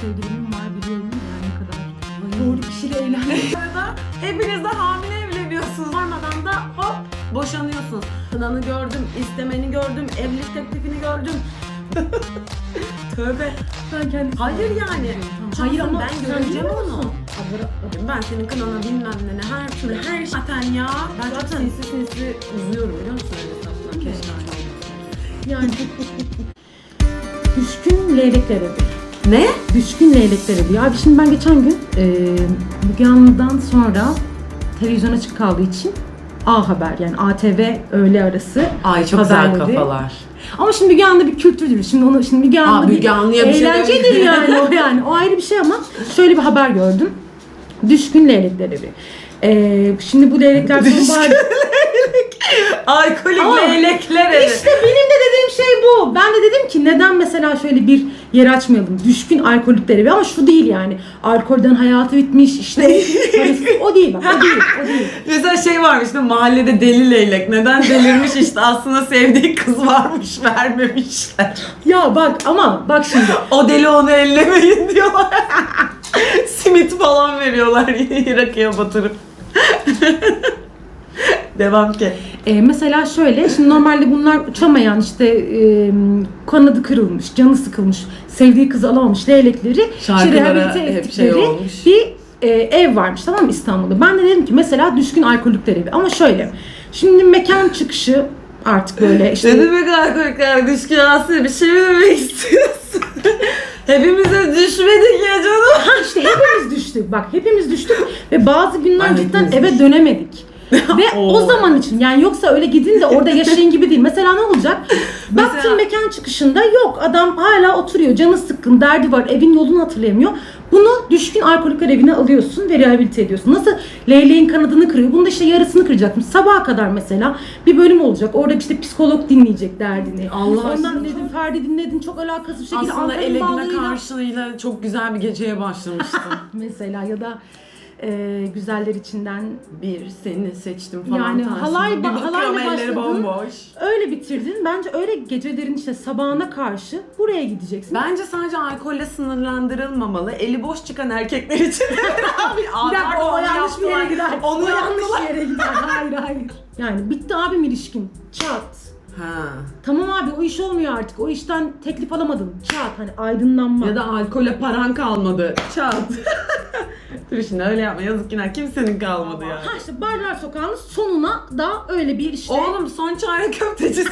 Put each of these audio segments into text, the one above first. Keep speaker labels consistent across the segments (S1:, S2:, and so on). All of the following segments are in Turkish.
S1: sevgilimin var biliyorum yani ne kadar doğru kişiyle evlendim.
S2: Hepiniz de hamile evleniyorsunuz. Varmadan da hop boşanıyorsunuz. Kınanı gördüm, istemeni gördüm, evlilik teklifini gördüm. Tövbe.
S1: Ben kendim.
S2: Hayır yani.
S1: Hayır ama
S2: ben
S1: sen
S2: göreceğim
S1: biliyor
S2: onu.
S1: musun?
S2: Ben senin kınana bilmem ne her türlü her şey. Zaten ya. Ben
S1: Zaten.
S2: çok sinsi uzuyorum biliyor musun? Öyle keşke
S1: Yani düşkün leylekler evi.
S2: Ne?
S1: Düşkün leylekler evi. Abi şimdi ben geçen gün Müge Anlı'dan sonra televizyon açık kaldığı için A Haber yani ATV öğle arası.
S2: Ay çok
S1: haberleri.
S2: güzel kafalar.
S1: Ama şimdi Müge Anlı bir kültürdür. Şimdi Müge Anlı
S2: Müge Anlı'ya bir şey
S1: eğlencedir
S2: demedim.
S1: yani o yani. O ayrı bir şey ama şöyle bir haber gördüm. Düşkün leylekler evi. Şimdi bu leylekler sonbahar...
S2: Alkolik
S1: Ama
S2: leylekler evi.
S1: İşte benim de dediğim şey bu. Ben de dedim ki neden mesela şöyle bir yer açmayalım? Düşkün alkolikler evi ama şu değil yani. Alkolden hayatı bitmiş işte. O değil bak. O değil.
S2: Mesela şey varmış değil mi? Mahallede deli leylek. Neden delirmiş işte aslında sevdiği kız varmış vermemişler.
S1: Ya bak ama bak şimdi.
S2: O deli onu ellemeyin diyorlar. Simit falan veriyorlar rakıya batırıp. Devam ki.
S1: Mesela şöyle, şimdi normalde bunlar uçamayan işte kanadı kırılmış, canı sıkılmış, sevdiği kızı alamamış leylekleri
S2: Şarkılara hep şey olmuş.
S1: bir ev varmış tamam mı İstanbul'da. Ben de dedim ki mesela düşkün alkolikler evi ama şöyle, şimdi mekan çıkışı artık böyle işte.
S2: Ne demek alkolikler düşkün aslında bir şey mi demek istiyorsun? Hepimize düşmedik ya canım.
S1: İşte hepimiz düştük bak hepimiz düştük ve bazı günler
S2: Ay,
S1: cidden
S2: hepimiz
S1: eve dönemedik. Ve o zaman için yani yoksa öyle gidin de orada yaşayın gibi değil. Mesela ne olacak? Baktın mekan çıkışında yok adam hala oturuyor canı sıkkın derdi var evin yolunu hatırlayamıyor. Bunu düşkün alkolikler evine alıyorsun ve rehabilite ediyorsun. Nasıl leyleğin kanadını kırıyor. Bunu da işte yarısını kıracaktım. Sabaha kadar mesela bir bölüm olacak. Orada işte psikolog dinleyecek derdini.
S2: Allah
S1: Ondan
S2: aşkına.
S1: dedim Ferdi dinledin çok alakasız bir şekilde.
S2: Aslında
S1: Ankara'nın
S2: ele güne
S1: bağlarıyla-
S2: karşılığıyla çok güzel bir geceye başlamıştım.
S1: Mesela ya da güzeller içinden
S2: Bir seni seçtim falan
S1: yani
S2: tarzında.
S1: halayla
S2: Bir bakıyorum elleri
S1: başladın,
S2: bomboş.
S1: öyle bitirdin. Bence öyle gecelerin işte sabahına karşı buraya gideceksin.
S2: Bence sadece alkolle sınırlandırılmamalı. Eli boş çıkan erkekler için. Abi,
S1: Bir dakika o yanlış bir yere gider.
S2: Onu
S1: O yanlış
S2: yaptılar.
S1: yere gider. Hayır. Yani bitti abim ilişkin. Çat.
S2: Ha.
S1: Tamam abi o iş olmuyor artık. O işten teklif alamadın. Çat hani aydınlanma.
S2: Ya da alkole paran kalmadı. Çat. Dur şimdi öyle yapma. Yazık günah. Kimsenin kalmadı ya.
S1: Ha işte Barlar Sokağı'nın sonuna da öyle bir işte.
S2: Oğlum son çare köftecisi.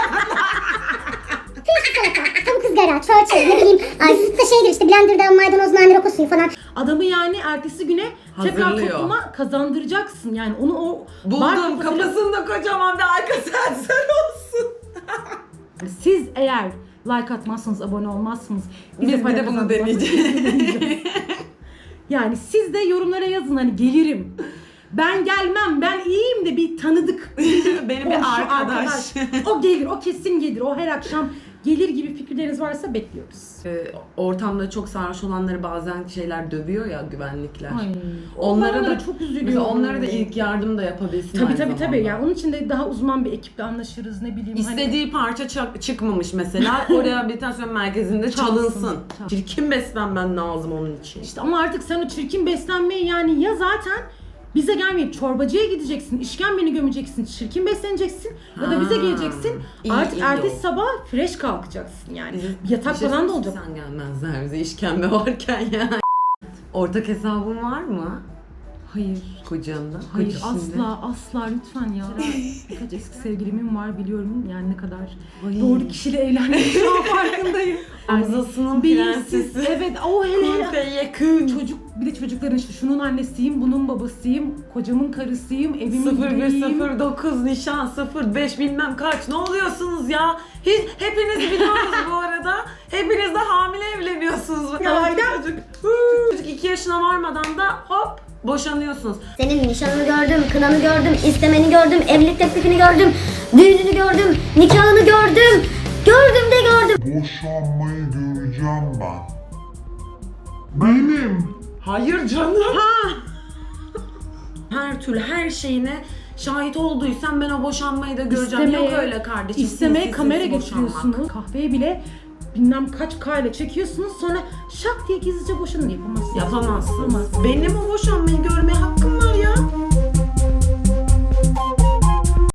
S3: Tavuk ızgara, çörçü, ne bileyim, süt de şeydir işte blenderda maydanoz, nane, roka suyu falan.
S1: Adamı yani ertesi güne tekrar
S2: Hazırlıyor.
S1: topluma kazandıracaksın. Yani onu o
S2: Buldum.
S1: kafasıyla-
S2: Kafasında kocaman bir arka sensör olsun.
S1: Siz eğer like atmazsanız, abone olmazsınız.
S2: Biz bir
S1: para
S2: de bunu
S1: kazandırmazsanız
S2: deneyeceğiz.
S1: Yani siz de yorumlara yazın hani gelirim. Ben gelmem, ben iyiyim de bir tanıdık.
S2: Benim bir
S1: komşu,
S2: arkadaş.
S1: O gelir, o kesin gelir. O her akşam gelir gibi fikirleriniz varsa bekliyoruz.
S2: Ortamda çok sarhoş olanları bazen şeyler dövüyor ya güvenlikler.
S1: Ay,
S2: Onlara da
S1: çok üzülüyorum.
S2: Mesela onlara da ilk yardım da yapabilsin aynı
S1: Tabii
S2: zamanda.
S1: yani onun için de daha uzman bir ekiple anlaşırız ne bileyim.
S2: İstediği parça çıkmamış mesela. O rehabilitasyon merkezinde çalınsın.
S1: Çalsın.
S2: Çirkin beslenmen lazım onun için.
S1: İşte ama artık sen o çirkin beslenmeyi yani ya zaten bize gelmeyip çorbacıya gideceksin, işkembeni gömeceksin, çirkin besleneceksin ya da bize geleceksin.
S2: iyi,
S1: Artık
S2: iyi
S1: ertesi
S2: o.
S1: sabah fresh kalkacaksın yani.
S2: Bizim-
S1: Yatak
S2: bir şey
S1: falan da
S2: söyleyeyim,
S1: olacak.
S2: Sen gelmezler bize işkembe varken ya. Ortak hesabın var mı?
S1: Hayır.
S2: Kocanla.
S1: Hayır
S2: kocasıyla.
S1: asla lütfen ya. Birkaç eski sevgilimin var biliyorum yani ne kadar
S2: Ay.
S1: doğru kişiyle evlendim şu an farkındayım.
S2: Hamzasının
S1: Bilinçsiz.
S2: prensesi.
S1: Evet o hele.
S2: Kurfe yakın.
S1: Bir de çocukların işte şunun annesiyim, bunun babasıyım, kocamın karısıyım, evimin direğiyim.
S2: 0109 nişan 05 bilmem kaç. Ne oluyorsunuz ya? Hepiniz biliyorsunuz bu arada. Hepiniz de hamile evleniyorsunuz. Çocuk 2 yaşına varmadan da hop boşanıyorsunuz.
S3: Senin nişanını gördüm, kınanı gördüm, istemeni gördüm, evlilik teklifini gördüm, düğününü gördüm, nikahını gördüm. Gördüm de gördüm.
S4: Boşanmayı göreceğim ben. Benim.
S2: Hayır canım. Her türlü her şeyine şahit olduysan ben o boşanmayı da göreceğim. Yok öyle kardeşim.
S1: İstemeye
S2: sinsi
S1: kamera
S2: sinsi boşanmak.
S1: getiriyorsunuz. Kahveye bile bilmem kaç kayla çekiyorsunuz, sonra şak diye gizlice boşanın, yapamazsınız.
S2: Yapamazsın.
S1: Yapamazsınız.
S2: Benim o boşanmayı görmeye hakkım